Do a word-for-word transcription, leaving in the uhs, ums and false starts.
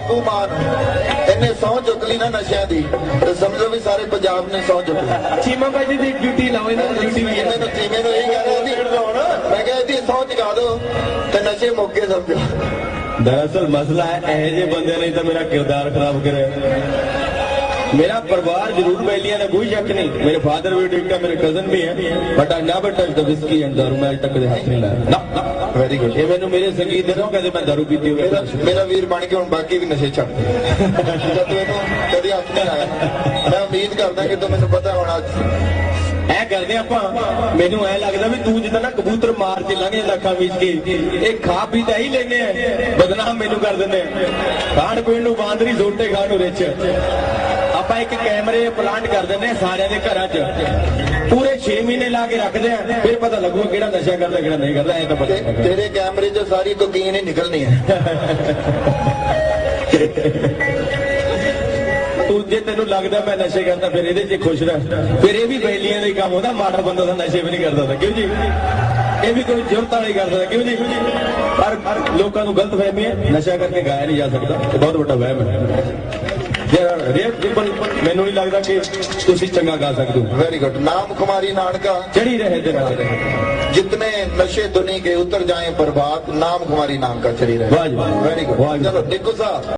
ਬਾਪੂ ਮਾਨ ਇਹਨੇ ਸਹੁੰ ਚੁੱਕ ਲਈ ਨਾ ਨਸ਼ਿਆਂ ਦੀ ਤੇ ਸਮਝੋ ਵੀ ਸਾਰੇ ਪੰਜਾਬ ਨੇ ਸਹੁੰ ਚੁੱਕ ਲਈ। ਚੀਮਾ ਭਾਈ ਦੀ ਡਿਊਟੀ ਲਾਓ ਇਹਨਾਂ ਦੀ ਡਿਊਟੀ ਵੀ ਹੈ। ਮੈਨੂੰ ਚੀਮੇ ਨੂੰ ਇਹ ਕਹਿ ਰਿਹਾ ਸੀ ਮੈਂ ਕਿਹਾ ਇਹਦੀ ਸਹੁੰ ਚੁਕਾ ਦਿਓ ਤੇ ਨਸ਼ੇ ਮੁੱਕੇ ਸਮਝੋ। दरअसल मसला है ਇਹੋ ਜਿਹੇ ਬੰਦੇ ਨੇ ਤਾਂ ਮੇਰਾ ਕਿਰਦਾਰ ਖਰਾਬ ਕਰਿਆ। मेरा परिवार जरूर बैलियां ने कोई शक नहीं, मेरे फादर भी ठीक है, मेरे कजन भी है, but I never touch the whisky and दारू। मैं आज तक कदे हाथ नहीं लाया ना। Very good. ये मैंने मेरे संगीत दे रहा कहते मैं दारू पीती हूं। मेरा मेरा वीर बन के हुन बाकी भी नशे छੱਡ ਦੇ जब तू ਇਹਨੂੰ ਕਦੀ ਹੱਥ ਨਹੀਂ ਲਾਇਆ। मैं उम्मीद करदा कि तू ਮੈਨੂੰ पता होना ਐ ਕਰਦੇ ਆਪਾਂ। ਮੈਨੂੰ ਐ ਲੱਗਦਾ ਵੀ ਤੂੰ ਜਿੱਦਾਂ ਨਾ ਕਬੂਤਰ ਮਾਰ ਕੇ ਲੰਘ ਜਾਂਦਾ ਅੱਖਾਂ ਵਿੱਚ ਕੇ, ਇਹ ਖਾ ਪੀ ਤਾਂ ਹੀ ਲੈਨੇ ਆ, ਬਦਨਾਮ ਮੈਨੂੰ ਕਰ ਦਿੰਦੇ ਆ। ਖਾਣ ਪੀਣ ਨੂੰ ਬਾਂਦਰੀ ਜ਼ੋਟੇ ਖਾਣ ਨੂੰ ਰਿਚ। ਆਪਾਂ ਇੱਕ ਕੈਮਰੇ ਪਲਾਂਟ ਕਰ ਦਿੰਦੇ ਆ ਸਾਰਿਆਂ ਦੇ ਘਰਾਂ 'ਚ, ਪੂਰੇ ਛੇ ਮਹੀਨੇ ਲਾ ਕੇ ਰੱਖਦੇ ਆ, ਫਿਰ ਪਤਾ ਲੱਗੂਗਾ ਕਿਹੜਾ ਨਸ਼ਾ ਕਰਦਾ ਕਿਹੜਾ ਨਹੀਂ ਕਰਦਾ। ਐ ਤਾਂ ਪਤਾ ਤੇਰੇ ਕੈਮਰੇ 'ਚ ਸਾਰੀ ਕੋਕੀਨ ਹੀ ਨਿਕਲਣੀ ਹੈ। ਤੂੰ ਜੇ ਤੈਨੂੰ ਲੱਗਦਾ ਮੈਂ ਨਸ਼ੇ ਕਰਦਾ ਫਿਰ ਇਹਦੇ 'ਚ ਖੁਸ਼ ਰਹਿ, ਫਿਰ ਇਹ ਵੀ ਬੈਲੀਆਂ ਦਾ ਹੀ ਕੰਮ ਹੁੰਦਾ। ਮਾੜਾ ਬੰਦਾ ਤਾਂ ਨਸ਼ੇ ਵੀ ਨਹੀਂ ਕਰਦਾ था, ਕਿਉਂ ਜੀ? ਇਹ ਵੀ ਕੋਈ ਜ਼ਰੂਰਤ ਵਾਲੀ ਕਰਦਾ ਕਿਉਂ ਜੀ? ਪਰ ਲੋਕਾਂ ਨੂੰ ਗਲਤ ਫਹਿਮੀ ਹੈ, ਨਸ਼ਾ ਕਰਕੇ ਗਾਇਆ ਨਹੀਂ ਜਾ ਸਕਦਾ, ਇਹ ਬਹੁਤ ਵੱਡਾ ਵਹਿਮ ਹੈ। ਮੈਨੂੰ ਨਹੀਂ ਲੱਗਦਾ ਕਿ ਤੁਸੀਂ ਚੰਗਾ ਗਾ ਸਕਦੇ ਹੋ। Very good. नाम कुमारी नानका चढ़ी रहे दिन रात जितने नशे दुनी के उतर जाएं बर्बाद, नाम कुमारी नानका चढ़ी रहे। वाह जी वाह। Very good. चलो देखो साहब।